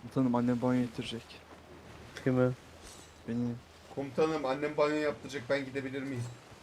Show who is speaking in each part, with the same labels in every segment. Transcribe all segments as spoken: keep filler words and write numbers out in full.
Speaker 1: Komutanım annem banyo getirecek.
Speaker 2: Kimi?
Speaker 1: Beni.
Speaker 3: Komutanım annem banyo yaptıracak, ben gidebilir miyim?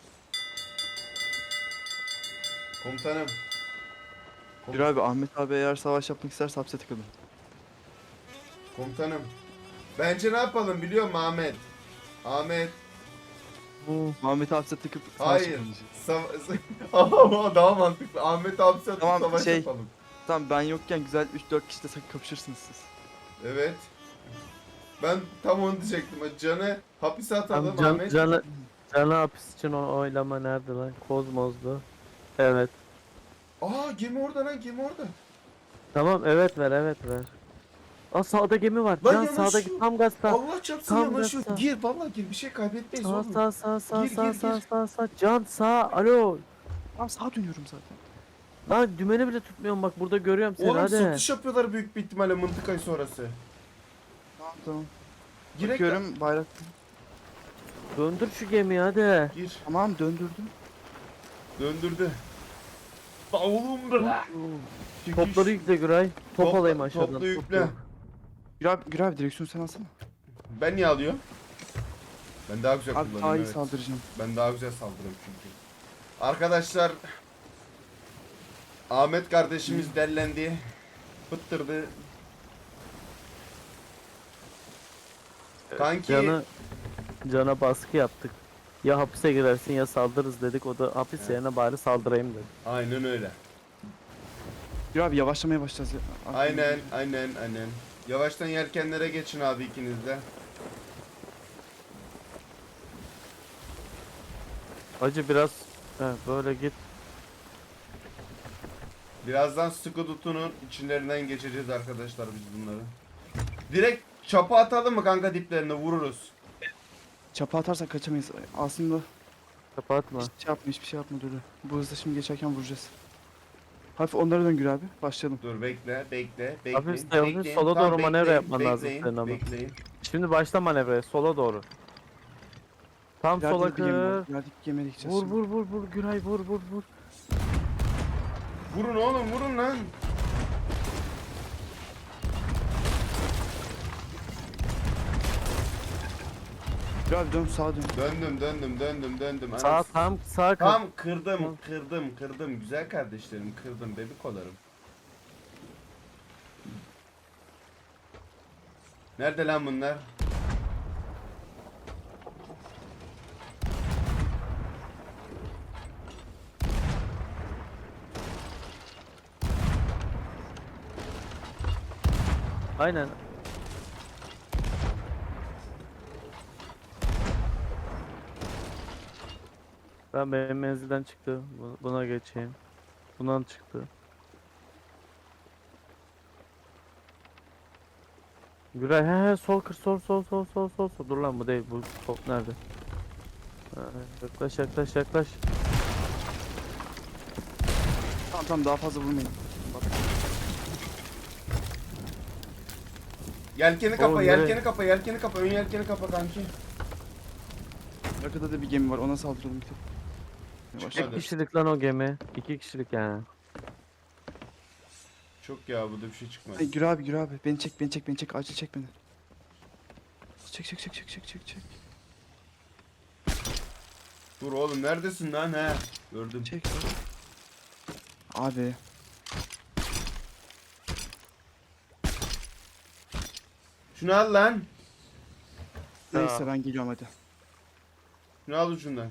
Speaker 3: Komutanım.
Speaker 1: Bir abi Ahmet abi eğer savaş yapmak isterse hapse tıkılın.
Speaker 3: Komutanım. Bence ne yapalım biliyor musun Ahmet? Ahmet.
Speaker 2: Bu.
Speaker 1: Ahmet'i hapse tıkıp savaş
Speaker 3: Hayır.
Speaker 1: yapalım.
Speaker 3: Sa- Ama daha mantıklı. Ahmet hapse atıp
Speaker 1: Tamam,
Speaker 3: savaş
Speaker 1: şey-
Speaker 3: yapalım.
Speaker 1: Tamam ben yokken güzel üç dört kişi de sakın kapışırsınız siz.
Speaker 3: Evet. Ben tam onu diyecektim. Can'ı hapise atalım
Speaker 2: Tam can,
Speaker 3: Ahmet.
Speaker 2: canı, canı hapis için o oylama nerede lan? Kozmos'du. Evet.
Speaker 3: Aa gemi orada lan, gemi orada.
Speaker 2: Tamam evet ver evet ver. Aa sağda gemi var.
Speaker 3: Lan
Speaker 2: Can
Speaker 3: yanaşıyor.
Speaker 2: sağdaki tam gazda.
Speaker 3: Allah çarpsın
Speaker 2: Tam
Speaker 3: yanaşıyor.
Speaker 2: gazda.
Speaker 3: Gir vallahi gir, bir şey kaybetmeyiz
Speaker 2: Sağ
Speaker 3: oğlum.
Speaker 2: sağ sağ sağ
Speaker 3: Gir,
Speaker 2: sağ
Speaker 3: gir,
Speaker 2: sağ
Speaker 3: gir.
Speaker 2: sağ sağ. Can sağ. Alo.
Speaker 1: Tamam sağa dönüyorum zaten.
Speaker 2: Lan dümeni bile tutmuyorum bak burada görüyorum seni
Speaker 3: Oğlum
Speaker 2: hadi.
Speaker 3: satış yapıyorlar büyük bir ihtimalle mıntıkayı sonrası.
Speaker 1: Tamam tamam.
Speaker 3: Girek
Speaker 1: Bakıyorum bayrak.
Speaker 2: Döndür şu gemiyi hadi.
Speaker 3: Gir.
Speaker 1: Tamam döndürdüm.
Speaker 3: Döndürdü. Ba oğlum bırak. Çekiş.
Speaker 2: Topları yükle Güray. Top
Speaker 3: Topla-
Speaker 2: alayım aşağıdan.
Speaker 3: topla
Speaker 2: top
Speaker 3: yükle.
Speaker 2: yok.
Speaker 1: Gür abi, Gür abi direksiyonu sen alsana.
Speaker 3: Ben niye alıyorum? Ben daha güzel
Speaker 1: Abi
Speaker 3: kullanıyorum.
Speaker 1: daha iyi
Speaker 3: Evet.
Speaker 1: saldıracağım.
Speaker 3: Ben daha güzel saldırıyorum çünkü. Arkadaşlar Ahmet kardeşimiz dellendi. Fıttırdı. Kanki
Speaker 2: Canı, cana baskı yaptık. Ya hapise girersin ya saldırırız dedik. O da hapis
Speaker 3: Evet.
Speaker 2: yerine bari saldırayım dedi.
Speaker 3: aynen öyle.
Speaker 1: Gür abi yavaşlamaya başlayacağız ya. Abi,
Speaker 3: Aynen aynen aynen. Yavaştan yelkenlere geçin abi ikiniz de.
Speaker 2: Acı biraz he, böyle git.
Speaker 3: Birazdan sıkı tutunun içlerinden geçeceğiz arkadaşlar biz bunları. Direkt çapa atalım mı kanka, diplerine vururuz.
Speaker 1: Çapa atarsak kaçamayız. Aslında
Speaker 2: Kapatma.
Speaker 1: hiçbir şey yapma hiçbir şey yapma dur. Bu hızla şimdi geçerken vuracağız. Hafif onlara dön Gür abi. Başlayalım.
Speaker 3: Dur bekle bekle bekle.
Speaker 2: Hafif de- hafif sola doğru manevra yapman lazım senin ama.
Speaker 3: Bekleyin.
Speaker 2: Şimdi başla manevraya sola doğru. Tam sola
Speaker 1: İleride bir gemi var.
Speaker 2: kır.
Speaker 1: İlerideki gemiye gideceğiz
Speaker 2: Vur
Speaker 1: şimdi.
Speaker 2: vur vur vur Güray vur vur vur.
Speaker 3: Vurun oğlum vurun lan.
Speaker 1: Gür abi dön sağa dön.
Speaker 3: Döndüm döndüm döndüm döndüm.
Speaker 2: Sağ
Speaker 3: Anam-
Speaker 2: tam sağ kır.
Speaker 3: Tam kırdım kırdım kırdım güzel kardeşlerim, kırdım bebikolarım. Nerede lan bunlar?
Speaker 2: Aynen. Ben benim menzilden çıktı. Bu- Buna geçeyim. Bundan çıktı. Güray he he sol kır sol sol sol sol sol sol. Dur lan bu değil bu top nerede? Ha, yaklaş yaklaş yaklaş.
Speaker 1: Tamam tamam daha fazla vurmayın.
Speaker 3: Yelkeni kapa,
Speaker 2: Oğlum,
Speaker 3: yelkeni
Speaker 2: nereye?
Speaker 3: kapa, yelkeni kapa, ön yelkeni kapa kanki.
Speaker 1: Arkada da bir gemi var ona saldıralım bir tek. Yavaş.
Speaker 3: Hadi.
Speaker 2: İki kişilik lan o gemi. İki kişilik yani.
Speaker 3: Çok ya, bu da bir şey çıkmaz.
Speaker 1: Ay, Gür abi Gür abi beni çek beni çek beni çek acil çek beni. Çek çek çek çek çek çek çek.
Speaker 3: Dur oğlum neredesin lan he? Gördüm.
Speaker 1: Çek. Abi.
Speaker 3: Şunu al lan.
Speaker 1: Neyse ben geliyorum hadi.
Speaker 3: Şunu al ucundan.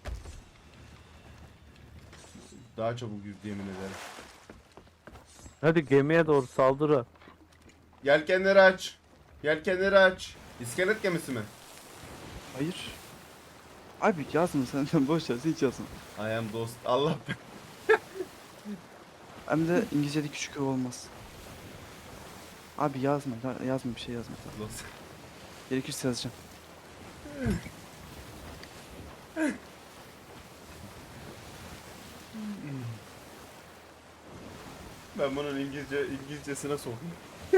Speaker 3: Daha çabuk yüzdü yemin ederim.
Speaker 2: Hadi gemiye doğru saldırı.
Speaker 3: Yelkenleri aç. Yelkenleri aç. İskelet gemisi mi?
Speaker 1: Hayır. Abi yazma sen boş ver sen hiç yazma.
Speaker 3: I am dost. Allah be.
Speaker 1: Hem de İngilizce'de küçük ı olmaz. Abi yazma ya- yazma bir şey yazma.
Speaker 3: Dost.
Speaker 1: Gerekirse yazacağım.
Speaker 3: Ben bunun İngilizce İngilizcesine sokayım.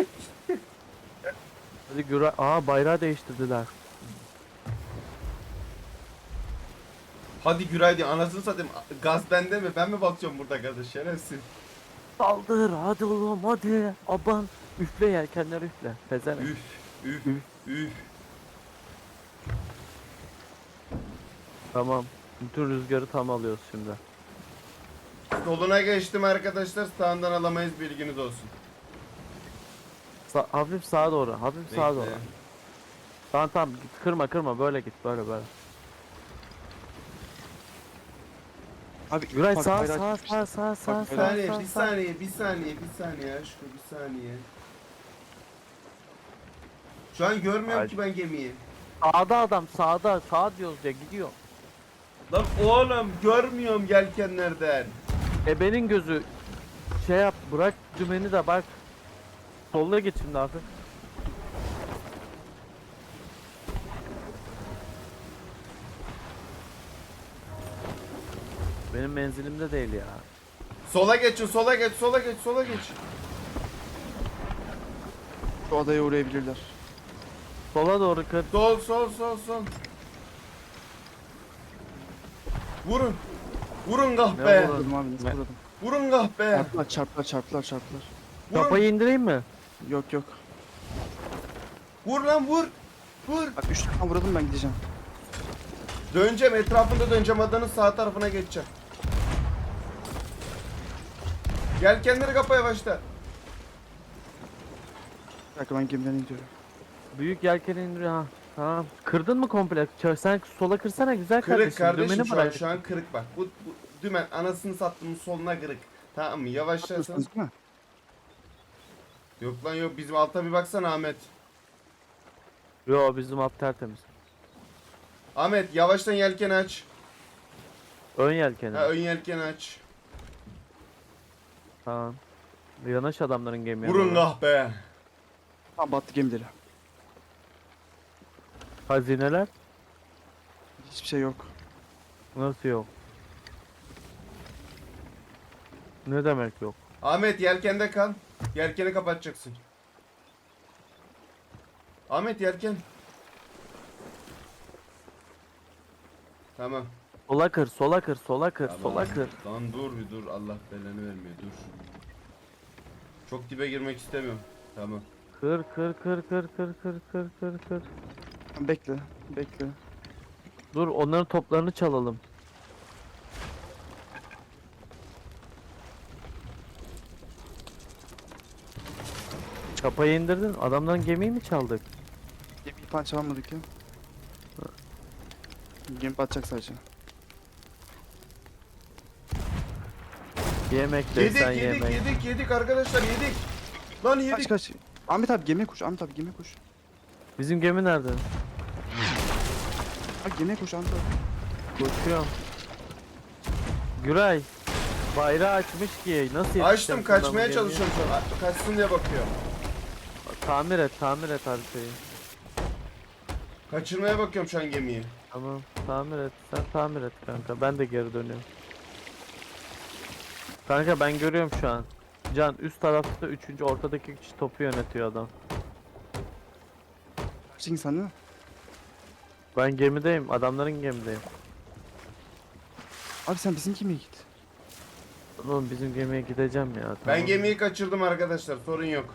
Speaker 2: Hadi Güray. Aa bayrağı değiştirdiler.
Speaker 3: Hadi Güray diye anasını satayım. Gaz bende mi? Ben mi bakıyorum burada gaza, şerefsiz.
Speaker 2: Saldır hadi oğlum hadi. Aban. Üfle yelkenleri üfle. Pezevenk.
Speaker 3: Üf, üf,
Speaker 2: Üf.
Speaker 3: üf.
Speaker 2: Tamam. Bütün rüzgarı tam alıyoruz şimdi.
Speaker 3: Soluna geçtim arkadaşlar. Sağından alamayız, bilginiz olsun.
Speaker 2: Sa hafif sağa doğru. Hafif sağa doğru.
Speaker 3: Bekle.
Speaker 2: Tamam tamam git, kırma kırma böyle git böyle böyle.
Speaker 1: Abi
Speaker 2: Güray
Speaker 1: bak,
Speaker 2: sağ
Speaker 1: bayrağı
Speaker 2: sağ
Speaker 1: çıkmışlar.
Speaker 2: sağ sağ sağ
Speaker 1: Bak,
Speaker 3: Bir
Speaker 2: sağ
Speaker 3: saniye,
Speaker 2: sağ
Speaker 3: bir
Speaker 2: sağ.
Speaker 3: saniye, bir saniye, bir saniye aşkım, bir saniye. Şu an görmüyorum
Speaker 2: Ay.
Speaker 3: ki ben gemiyi.
Speaker 2: Sağda adam sağda sağ diyoruz ya gidiyor.
Speaker 3: Lan oğlum görmüyorum yelkenlerden.
Speaker 2: Ebenin gözü şey yap bırak dümeni de bak. Solla git şimdi hafif. Benim menzilimde değil ya.
Speaker 3: Sola geçin, sola geç, sola geç, sola geç.
Speaker 1: Şu adaya uğrayabilirler.
Speaker 2: Sola doğru kır.
Speaker 3: Sol, sol, sol, sol. Vurun. Vurun
Speaker 2: Ne
Speaker 3: kahpe.
Speaker 2: vurun?
Speaker 1: Vurdum abi nasıl
Speaker 2: Ne?
Speaker 1: vurdum?
Speaker 3: Vurun kahpe.
Speaker 1: Çarptılar çarptılar çarptılar çarptılar.
Speaker 3: Vurun.
Speaker 2: Kafayı indireyim mi?
Speaker 1: Yok yok.
Speaker 3: Vur lan vur. Vur.
Speaker 1: Bak üç tane vurdum ben gideceğim.
Speaker 3: Döneceğim, etrafında döneceğim, adanın sağ tarafına geçeceğim. Gel kendini kapa yavaşla.
Speaker 1: Bir dakika ben gemiden gidiyorum.
Speaker 2: Büyük yelkeni indiriyor ha. Tamam. Kırdın mı komple? Ç- Sen sola kırsana güzel
Speaker 3: Kırık
Speaker 2: kardeşim.
Speaker 3: kardeşim,
Speaker 2: Dümeni
Speaker 3: şu an,
Speaker 2: bırak.
Speaker 3: şu an kırık bak. Bu, bu dümen anasını sattığımın soluna kırık. Tamam mı? Yavaşlarsanız.
Speaker 1: Yapıyorsunuz değil mi?
Speaker 3: Yok lan yok, bizim alta bir baksana Ahmet.
Speaker 2: Yo bizim alt tertemiz.
Speaker 3: Ahmet yavaştan yelken aç.
Speaker 2: Ön yelkeni.
Speaker 3: Ha, ön yelken aç.
Speaker 2: Tamam. Yanaş adamların gemiye.
Speaker 3: Vurun
Speaker 2: doğru.
Speaker 3: kahpe.
Speaker 1: Tamam battı gemileri.
Speaker 2: Hazineler?
Speaker 1: Hiçbir şey yok.
Speaker 2: Nasıl yok? Ne demek yok?
Speaker 3: Ahmet yelkende kal. Yelkeni kapatacaksın. Ahmet yelken. Tamam.
Speaker 2: Sola kır, sola kır, sola kır,
Speaker 3: Tamam.
Speaker 2: sola kır.
Speaker 3: Lan dur bir dur, Allah belanı vermiyor, dur. Çok dibe girmek istemiyorum. Tamam.
Speaker 2: Kır, kır, kır, kır, kır, kır, kır, kır, kır.
Speaker 1: Tamam, bekle. Bekle.
Speaker 2: Dur onların toplarını çalalım. Çapayı indirdin. Adamdan gemiyi mi çaldık?
Speaker 1: Gemiyi falan çalmadık ya. Gemi batacak sadece.
Speaker 2: Yemek
Speaker 3: Yedik
Speaker 2: desen
Speaker 3: yedik
Speaker 2: yemek.
Speaker 3: yedik yedik arkadaşlar, yedik. Lan yedik.
Speaker 1: Kaç kaç. Ahmet abi gemiye koş. Ahmet abi gemiye koş.
Speaker 2: Bizim gemi nerede?
Speaker 1: Bak gemiye koş Ahmet abi.
Speaker 2: Koşuyorum. Güray. Bayrağı açmış ki nasıl yetişeceğim
Speaker 3: Açtım,
Speaker 2: ben bu
Speaker 3: kaçmaya
Speaker 2: gemiye?
Speaker 3: çalışıyorum şu an. A- Kaçsın diye bakıyorum.
Speaker 2: Tamir et, tamir et haritayı.
Speaker 3: Kaçırmaya bakıyorum şu an gemiyi.
Speaker 2: Tamam, tamir et. Sen tamir et kanka. Ben de geri dönüyorum. Kanka ben görüyorum şu an. Can üst tarafta üçüncü ortadaki kişi topu yönetiyor adam.
Speaker 1: Kaç insan değil mi?
Speaker 2: Ben gemideyim. Adamların gemideyim.
Speaker 1: Abi sen bizim gemiye git.
Speaker 2: Oğlum bizim gemiye gideceğim ya.
Speaker 3: Ben
Speaker 2: tamam.
Speaker 3: gemiyi kaçırdım arkadaşlar, sorun yok.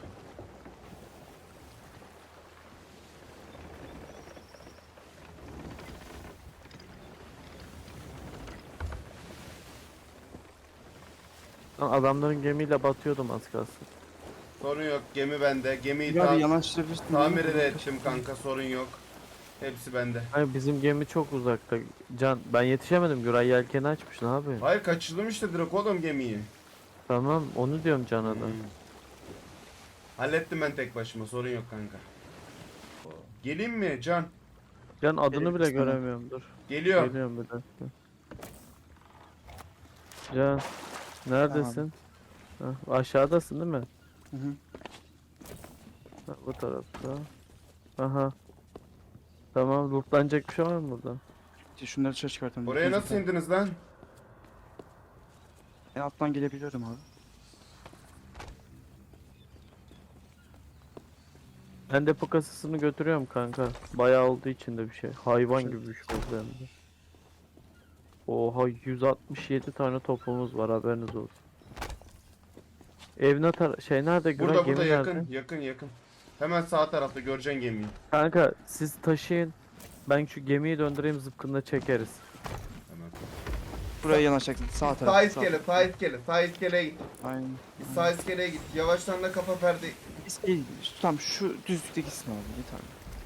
Speaker 2: Lan adamların gemiyle batıyordum az kalsın.
Speaker 3: Sorun yok, gemi bende. Gemiyi
Speaker 1: Ya
Speaker 3: ta-
Speaker 1: bir yanaştırabilirsin.
Speaker 3: tamir de ettim kanka, sorun yok. Hepsi bende.
Speaker 2: Hayır bizim gemi çok uzakta. Can ben yetişemedim. Güray yelkeni açmış ne yapayım?
Speaker 3: Hayır, kaçırdım işte direkt oğlum gemiyi.
Speaker 2: Tamam onu diyorum Can'a da.
Speaker 3: Hmm. Hallettim ben tek başıma, sorun yok kanka. Geleyim mi Can?
Speaker 2: Can adını bile
Speaker 1: Gerekirse tamam.
Speaker 2: göremiyorum dur.
Speaker 3: Geliyor.
Speaker 2: Geliyorum bir dakika. Can neredesin? Ha, aşağıdasın değil mi?
Speaker 1: Hı hı.
Speaker 2: Ha, bu tarafta. Aha. Tamam lootlanacak bir şey var mı burada?
Speaker 1: İşte şunları dışarı çıkartalım.
Speaker 3: Oraya
Speaker 1: İkinci
Speaker 3: nasıl
Speaker 1: tane.
Speaker 3: indiniz lan?
Speaker 1: En alttan gelebiliyorum abi.
Speaker 2: Ben depo kasasını götürüyorum kanka. Bayağı olduğu için de bir şey. Hayvan
Speaker 1: Şey-
Speaker 2: gibi bir şey oldu hem de. Oha yüz altmış yedi tane topumuz var haberiniz olsun. Ev ne tar şey nerede Güray?
Speaker 3: Burada
Speaker 2: Gemi
Speaker 3: burada yakın
Speaker 2: nerede?
Speaker 3: yakın yakın. Hemen sağ tarafta göreceksin gemiyi.
Speaker 2: Kanka siz taşıyın. Ben şu gemiyi döndüreyim zıpkınla çekeriz.
Speaker 3: Hemen.
Speaker 1: Buraya yanaşacaksın. Sağ taraf.
Speaker 3: Sağ iskele, sağ iskele, sağ iskeleye git.
Speaker 1: Aynen.
Speaker 3: Git sağ iskeleye git. Yavaştan da kafa perde.
Speaker 1: İskele, tamam şu düzlükte gitsin abi. Yeter.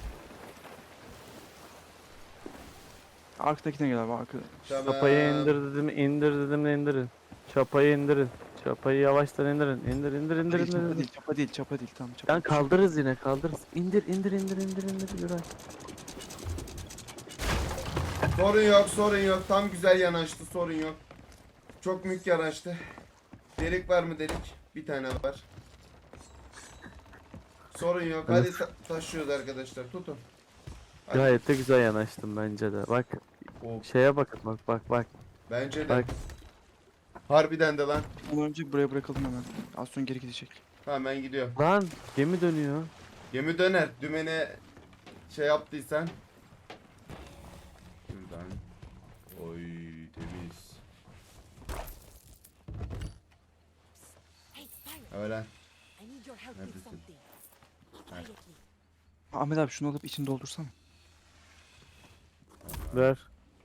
Speaker 1: Arkadakine gel abi arkada.
Speaker 3: Tamam.
Speaker 2: Çapayı indir dedim, indir dedim de indirin. Çapayı indirin. Çapayı yavaştan indirin. İndir indir indir
Speaker 1: Değil,
Speaker 2: indir.
Speaker 1: çapa
Speaker 2: indir.
Speaker 1: değil, çapa değil, çapa değil. Tamam, çapa.
Speaker 2: Lan kaldırırız yine kaldırırız. İndir indir indir indir indir Güray.
Speaker 3: Sorun yok, sorun yok. Tam güzel yanaştı, sorun yok. Çok mük yanaştı. Delik var mı delik? Bir tane var. Sorun yok. Hadi ta- taşıyoruz arkadaşlar. Tutun. Hadi.
Speaker 2: Gayet de güzel yanaştım bence de. Bak
Speaker 3: Oh,
Speaker 2: şeye bakın bak bak bak.
Speaker 3: bence de.
Speaker 2: Bak.
Speaker 3: Harbiden de lan.
Speaker 1: Ondan önce buraya bırakalım hemen. Az sonra geri gidecek.
Speaker 3: Tamam ben gidiyorum.
Speaker 2: Lan gemi dönüyor.
Speaker 3: Gemi döner. Dümene şey yaptıysan. Şuradan. Oy temiz.
Speaker 4: Hey, Pirate,
Speaker 3: Öyle.
Speaker 4: I need your help with
Speaker 3: Neredesin?
Speaker 4: something. Quietly.
Speaker 1: Ahmet abi şunu alıp içini doldursana.
Speaker 2: Ver.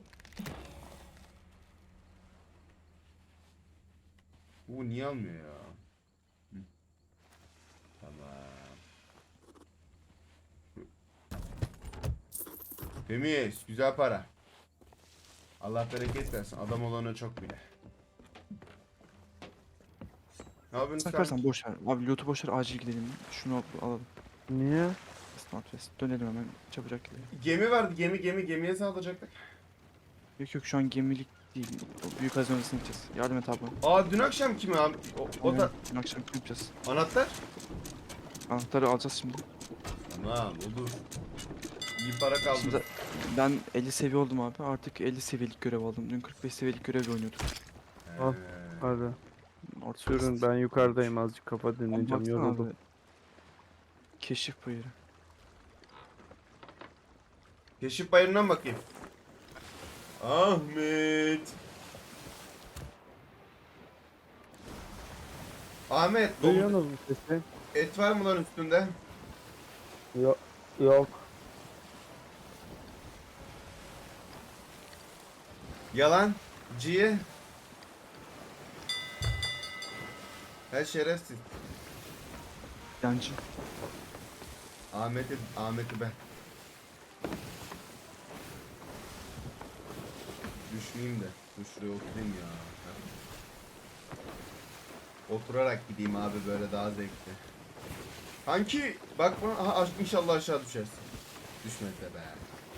Speaker 3: Bu niye almıyor ya? Hı. Tamam. Temiz. Güzel para. Allah bereket versin. Adam olana çok bile. Ne yapıyorsun sen?
Speaker 1: Sakarsan boş ver. Abi loot'u boş ver, acil gidelim. Şunu al- alalım.
Speaker 2: Niye?
Speaker 1: Northwest. Dönelim hemen, çabucak gidelim.
Speaker 3: Gemi vardı. Gemi gemi gemiye saldıracaktık.
Speaker 1: Yok yok, şu an gemilik değil. O büyük hazinesine gideceğiz. Yardım et abi.
Speaker 3: Aa dün akşam kimi abi? O, o da
Speaker 1: Aynen, dün akşam yapacağız.
Speaker 3: anahtar.
Speaker 1: Anahtarı alacağız şimdi.
Speaker 3: Tamam olur. İyi para kaldı.
Speaker 1: Şimdi ben elli seviye oldum abi. Artık elli seviyelik görev aldım. Dün kırk beş seviyelik görev oynuyorduk.
Speaker 2: Al.
Speaker 3: Ee,
Speaker 2: Hadi.
Speaker 1: Orta
Speaker 2: Sürün ben yukarıdayım azıcık kafa dinleyeceğim
Speaker 1: Baksana
Speaker 2: yoruldum.
Speaker 1: abi. Keşif buyuru.
Speaker 3: Keşif bayırından bakayım. Ahmet. Ahmet, domuz,
Speaker 2: Duyuyorsunuz mu sesi?
Speaker 3: et var mı lan üstünde?
Speaker 2: Yok. Yok.
Speaker 3: Yalan. Ciye. Her şerefsiz.
Speaker 1: Yancı.
Speaker 3: Ahmet'i, Ahmet'i ben. Düşmeyeyim de. Dur şuraya oturayım ya. Heh. Oturarak gideyim abi, böyle daha zevkli. Kanki bak bana, aha, aş- inşallah aşağı düşersin. Düşmedi de be.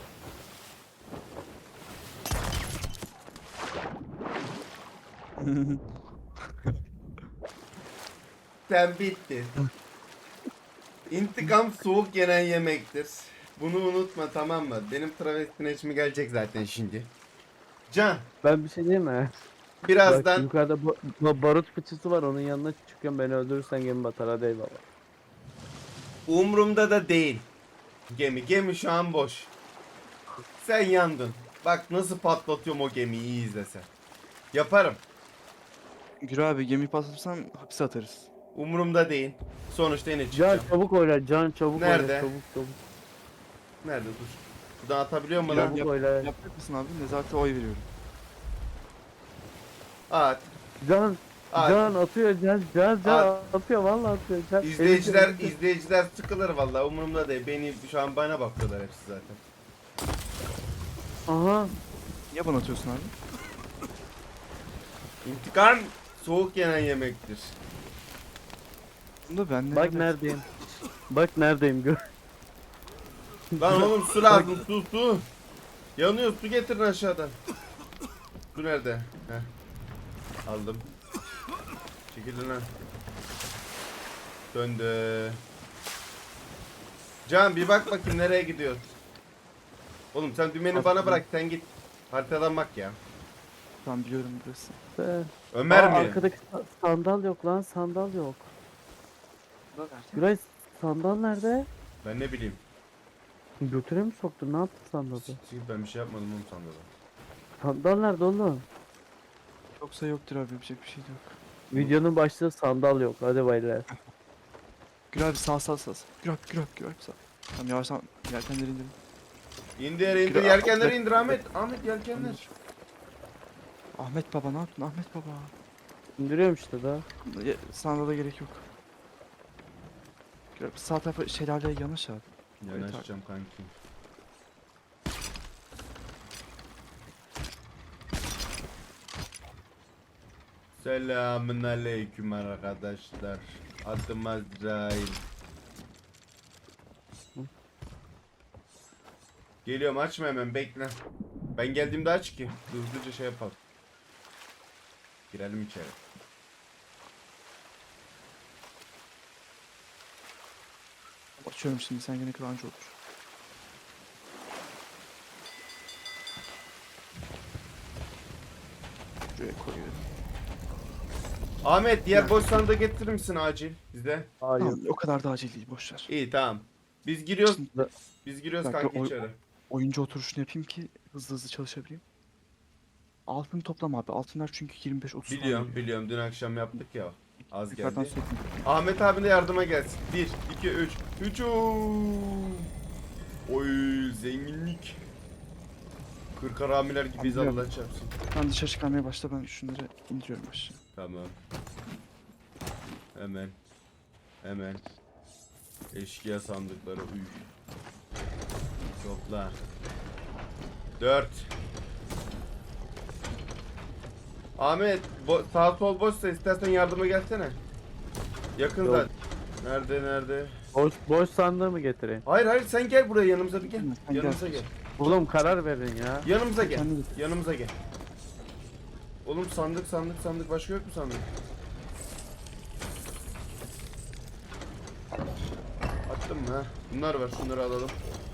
Speaker 3: Sen bitti. İntikam soğuk yenen yemektir. Bunu unutma, tamam mı? Benim travestine içime gelecek zaten şimdi. Can,
Speaker 2: Ben bir şey diyeyim mi? Bak
Speaker 3: birazdan
Speaker 2: yukarıda ba- ba- barut fıçısı var onun yanına çıkıyorum beni öldürürsen gemi batar hadi eyvallah.
Speaker 3: umrumda da değil. Gemi, gemi şu an boş. Sen yandın. Bak nasıl patlatıyorum o gemiyi, iyi izle sen. Yaparım.
Speaker 1: Gür abi, gemi patlatırsan hapse atarız.
Speaker 3: Umurumda değil. Sonuçta yine
Speaker 2: Can
Speaker 3: çıkacağım.
Speaker 2: çabuk oyla Can çabuk
Speaker 3: Nerede?
Speaker 2: oyla çabuk çabuk.
Speaker 3: Nerede dur. Buradan atabiliyor mu lan?
Speaker 2: Çabuk oyla.
Speaker 1: Yapacak mısın abi? Nezarete oy veriyorum.
Speaker 3: At.
Speaker 2: Can
Speaker 3: At.
Speaker 2: Can atıyor Can Can Can atıyor vallahi atıyor. Can,
Speaker 3: İzleyiciler,
Speaker 2: Elinde-
Speaker 3: izleyiciler sıkılır vallahi, umurumda değil. Beni şu an bana bakıyorlar hepsi zaten.
Speaker 2: Aha.
Speaker 1: Niye bana atıyorsun abi?
Speaker 3: İntikam soğuk yenen yemektir.
Speaker 1: Bunda ben ne?
Speaker 2: Bak neredeyim. Bak neredeyim gör.
Speaker 3: Lan oğlum su lazım, su su. Yanıyor, su getirin aşağıdan. Su nerede? Heh. Aldım. Çekilin lan. Döndü. Can bir bak bakayım nereye gidiyor. Oğlum sen dümeni bana bırak, sen git. Haritadan bak ya.
Speaker 1: Tamam, biliyorum burası.
Speaker 2: Be.
Speaker 3: Ömer
Speaker 2: Aa,
Speaker 3: mi?
Speaker 2: arkadaki sa- sandal yok lan sandal yok. Güray sandal nerede?
Speaker 3: Ben ne bileyim.
Speaker 2: Götüre mi soktun ne yaptın sandalı?
Speaker 3: Siktir, ben bir şey yapmadım oğlum sandalı.
Speaker 2: Sandal nerede oğlum?
Speaker 1: Yoksa yoktur abi, yapacak bir şey de yok.
Speaker 2: Videonun başlığı sandal yok. Hadi baylar.
Speaker 1: Gür abi sağ sağ sağ. sağ. Gür abi gür abi gür abi sağ. Tamam yavaştan yelkenleri indirin.
Speaker 3: İndir indir
Speaker 1: Kira-
Speaker 3: yelkenleri indir Ahmet. Ahmet yelkenler.
Speaker 1: Ahmet baba ne yaptın Ahmet baba?
Speaker 2: İndiriyorum işte daha.
Speaker 1: Ya, sana da gerek yok. Gür abi sağ tarafa şelaleye yanaş abi.
Speaker 3: Yanaşacağım kanki. Selamun aleyküm arkadaşlar. Adım Azrail. Geliyorum, açma hemen, bekle. Ben geldiğimde aç ki hızlıca şey yapalım. Girelim içeri.
Speaker 1: Açıyorum şimdi sen gene kıvancı olur. Şuraya koyuyorum.
Speaker 3: Ahmet, diğer
Speaker 1: Ya.
Speaker 3: boş sandığı getirir misin acil bize?
Speaker 2: Hayır.
Speaker 1: Tamam o kadar da acil değil boşver.
Speaker 3: İyi, tamam. Biz giriyoruz.
Speaker 1: Şimdi
Speaker 3: Biz giriyoruz
Speaker 1: Dakika,
Speaker 3: kanki
Speaker 1: oy-
Speaker 3: içeri.
Speaker 1: oyuncu oturuşunu yapayım ki hızlı hızlı çalışabileyim. Altın toplam abi. Altınlar çünkü yirmi beş otuz
Speaker 3: Biliyorum, biliyorum. Dün akşam yaptık ya. Az
Speaker 1: Yukarıdan
Speaker 3: geldi.
Speaker 1: sökün.
Speaker 3: Ahmet abi de yardıma gelsin. bir, iki, üç. Hücum. Oy, zenginlik. Kırk haramiler gibiyiz,
Speaker 1: Anlıyorum.
Speaker 3: Allah çarpsın.
Speaker 1: Ben dışarı çıkarmaya başla ben şunları indiriyorum aşağı.
Speaker 3: Tamam. Hemen. Hemen. Eşkıya sandıkları uy. Topla. Dört. Ahmet, bo sağ sol boşsa istersen yardıma gelsene. Yakın
Speaker 2: Yok.
Speaker 3: zaten. Nerede nerede?
Speaker 2: Boş, boş sandığı mı getireyim?
Speaker 3: Hayır hayır, sen gel buraya, yanımıza bir gel.
Speaker 1: Gelme, sen
Speaker 3: Yanımıza
Speaker 1: gel.
Speaker 3: gel.
Speaker 2: Oğlum karar verin ya.
Speaker 3: Yanımıza gel.
Speaker 1: Kendi git.
Speaker 3: Yanımıza gel. Oğlum sandık sandık sandık, başka yok mu sandık? Attım mı ha? Bunlar var, şunları alalım.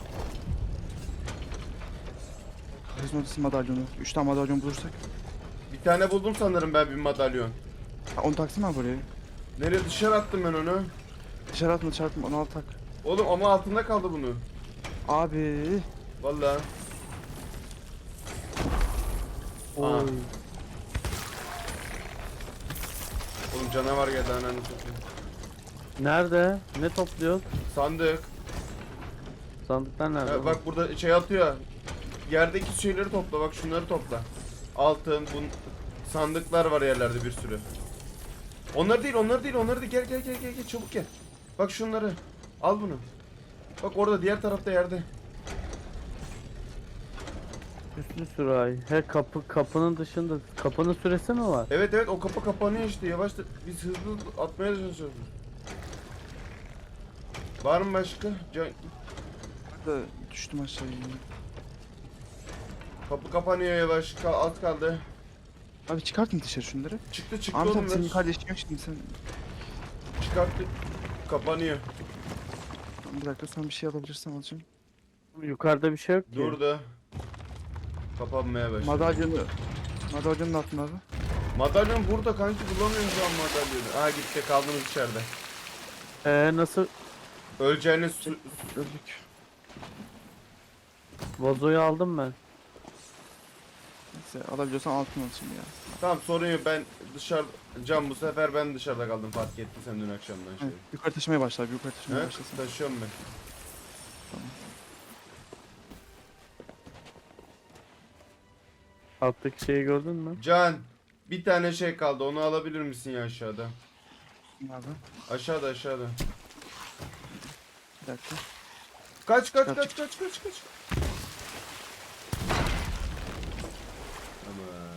Speaker 1: Karizma odası madalyonu. üç tane madalyon bulursak.
Speaker 3: Bir tane buldum sanırım ben, bir madalyon.
Speaker 1: Ha, onu taksana abi buraya.
Speaker 3: Nereye, dışarı attım ben onu?
Speaker 1: Dışarı atma dışarı atma onu al tak.
Speaker 3: Oğlum ama altında kaldı bunu.
Speaker 1: Abi.
Speaker 3: Vallahi. Aa.
Speaker 2: Oy.
Speaker 3: Oğlum canavar geldi, ananı satayım.
Speaker 2: Nerede? Ne topluyoruz?
Speaker 3: Sandık.
Speaker 2: Sandıklar nerede?
Speaker 3: Ha, bak burada şey atıyor. Yerdeki şeyleri topla, bak şunları topla. Altın, bun sandıklar var yerlerde bir sürü. Onlar değil, onlar değil, onları değil. Gel gel gel gel gel, çabuk gel. Bak şunları. Al bunu. Bak orada, diğer tarafta yerde.
Speaker 2: Üstü sürahi. He kapı kapının dışında. Kapının süresi mi var?
Speaker 3: Evet evet, o kapı kapanıyor işte, yavaş da biz hızlı atmaya çalışıyoruz. Var mı başka? Can...
Speaker 1: Ben de düştüm aşağıya. yine.
Speaker 3: Kapı kapanıyor yavaş, Kal az kaldı.
Speaker 1: Abi çıkartın dışarı şunları.
Speaker 3: Çıktı çıktı
Speaker 1: Ahmet
Speaker 3: oğlum,
Speaker 1: abi senin
Speaker 3: ver.
Speaker 1: kardeşin yok şimdi sen.
Speaker 3: Çıkarttı. Kapanıyor.
Speaker 1: Bir dakika sen bir şey alabilirsen alacağım.
Speaker 2: Yukarıda bir şey yok ki.
Speaker 3: Durdu. Kapanmaya başladı.
Speaker 1: Madalyonu. Madalyonun altında abi.
Speaker 3: Madalyon burada kanki, bulamıyoruz şu an madalyonu. Aa gitti, kaldınız içeride.
Speaker 2: Ee nasıl?
Speaker 3: Öleceğiniz su...
Speaker 1: Öldük.
Speaker 2: Vazoyu aldım ben.
Speaker 1: Neyse alabiliyorsan altın al şimdi ya.
Speaker 3: Tamam, sorun yok, ben dışarı... Can, bu sefer ben dışarıda kaldım, fark ettin sen dün akşamdan şey.
Speaker 1: Evet, yukarı taşımaya başla abi yukarı taşımaya
Speaker 3: He?
Speaker 1: başlasın.
Speaker 3: Taşıyorum ben.
Speaker 2: Alttaki şeyi gördün mü?
Speaker 3: Can, bir tane şey kaldı, onu alabilir misin ya aşağıda?
Speaker 1: Abi
Speaker 3: Aşağıda aşağıda.
Speaker 1: bir dakika.
Speaker 3: Kaç kaç
Speaker 1: Çıkar,
Speaker 3: kaç kaç kaç kaç. Aman.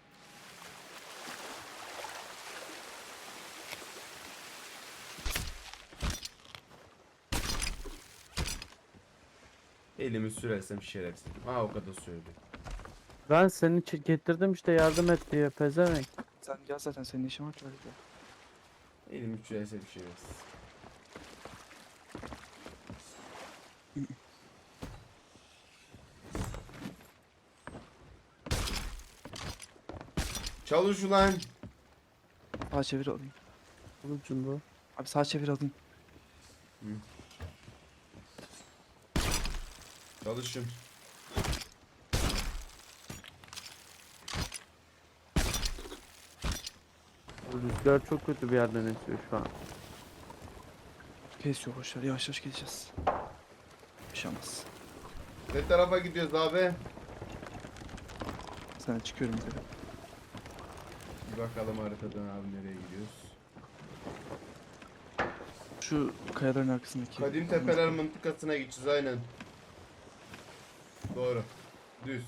Speaker 3: Elimi sürersem şerefsiz. Ha, o kadar söyledi.
Speaker 2: Ben seni çi- getirdim işte yardım et diye pezevenk.
Speaker 1: Sen gel zaten senin işin var ki öyle gel.
Speaker 3: Elimi sürersem şerefsiz. Çalış ulan.
Speaker 1: Sağa çevir alayım.
Speaker 2: Ucunda.
Speaker 1: Abi sağa çevir alayım.
Speaker 3: Çalışın.
Speaker 2: Rüzgar çok kötü bir yerden esiyor şu an.
Speaker 1: Kesiyor boşver. Yavaş yavaş gideceğiz. Bir şey olmaz.
Speaker 3: Ne tarafa gidiyoruz abi?
Speaker 1: Sana çıkıyorum yukarı.
Speaker 3: Bir bakalım haritadan abi nereye gidiyoruz.
Speaker 1: Şu kayaların arkasındaki.
Speaker 3: Kadim Tepeler mıntıkasına gideceğiz aynen. Doğru. Düz.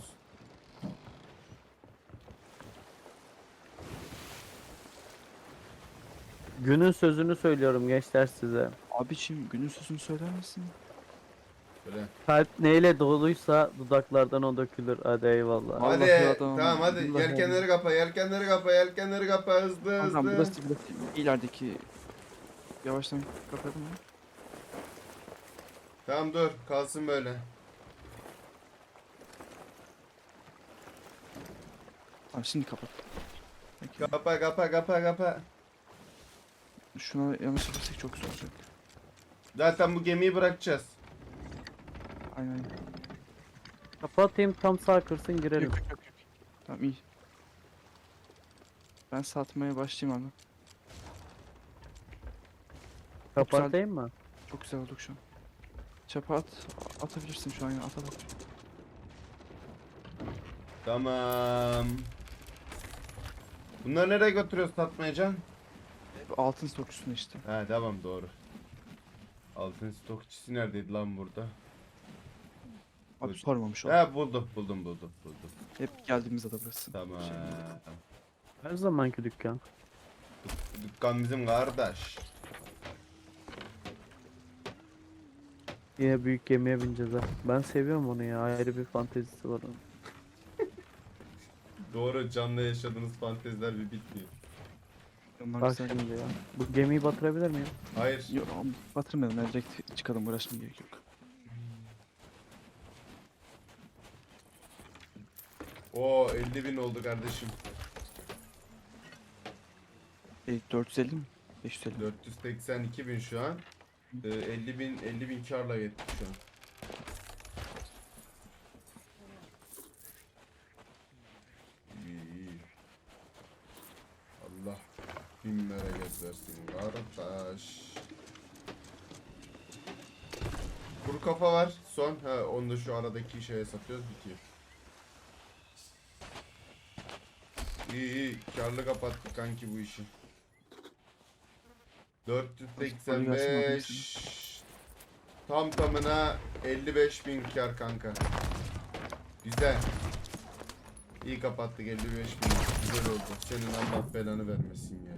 Speaker 2: Günün sözünü söylüyorum gençler size.
Speaker 1: Abiciğim günün sözünü söyler misin?
Speaker 3: Böyle.
Speaker 2: Kalp neyle doluysa dudaklardan o dökülür. Hadi eyvallah.
Speaker 1: Vallahi
Speaker 3: Hadi
Speaker 1: adam,
Speaker 3: tamam hadi
Speaker 1: vallahi
Speaker 3: yelkenleri kapa yelkenleri kapa yelkenleri kapa hızlı
Speaker 1: Tamam
Speaker 3: hızlı.
Speaker 1: burası burası ilerideki yavaştan kapatalım mı?
Speaker 3: Tamam dur kalsın böyle.
Speaker 1: Tamam şimdi kapat. Peki.
Speaker 3: Kapa kapa kapa kapa.
Speaker 1: Şuna yanlış yaparsak çok güzel olacak.
Speaker 3: Zaten bu gemiyi bırakacağız.
Speaker 1: Aynen aynen.
Speaker 2: Kapatayım tam sağ kırsın girelim.
Speaker 1: Yok yok yok. yok. Tamam iyi. Ben satmaya başlayayım abi.
Speaker 2: Kapatayım mı?
Speaker 1: Çok güzel olduk şu an. Çapa at. Atabilirsin şu an ya. At at. at.
Speaker 3: Tamam. Bunları nereye götürüyoruz satmaya Can?
Speaker 1: Bu altın stokçusuna işte.
Speaker 3: He tamam doğru. Altın stokçisi neredeydi lan burada?
Speaker 1: Abi
Speaker 3: Evet.
Speaker 1: sormamış ol.
Speaker 3: He buldum buldum buldum buldum.
Speaker 1: Hep geldiğimizde de burası.
Speaker 3: Tamam.
Speaker 1: Şey,
Speaker 2: Her zamanki dükkan.
Speaker 3: Dükkan bizim kardeş.
Speaker 2: Yine büyük gemiye bineceğiz ha. Ben seviyorum onu ya. Ayrı bir fantezisi var onun.
Speaker 3: Doğru Can'la yaşadığınız fanteziler bir bitmiyor.
Speaker 1: Onlar
Speaker 2: Bak
Speaker 1: güzel.
Speaker 2: şimdi ya. Bu gemiyi batırabilir miyim?
Speaker 3: Hayır.
Speaker 1: Yok abi, batırmayalım. Yani direkt çıkalım. Uğraşmaya gerek yok.
Speaker 3: O elli bin oldu kardeşim.
Speaker 1: E, dört yüz elli mi? beş yüz elli.
Speaker 3: dört yüz seksen iki bin şu an. Ee, elli bin elli bin karla yettik şu an. İyi, iyi. Allah bin bereket versin kardeş. Kuru kafa var son. Ha onu da şu aradaki şeye satıyoruz bitiyor. İyi iyi karlı kapattık kanki bu işi. dört yüz seksen beş tam tamına elli beş bin kar kanka. Güzel. İyi kapattık elli beş bin. Güzel oldu. Senin Allah belanı vermesin ya.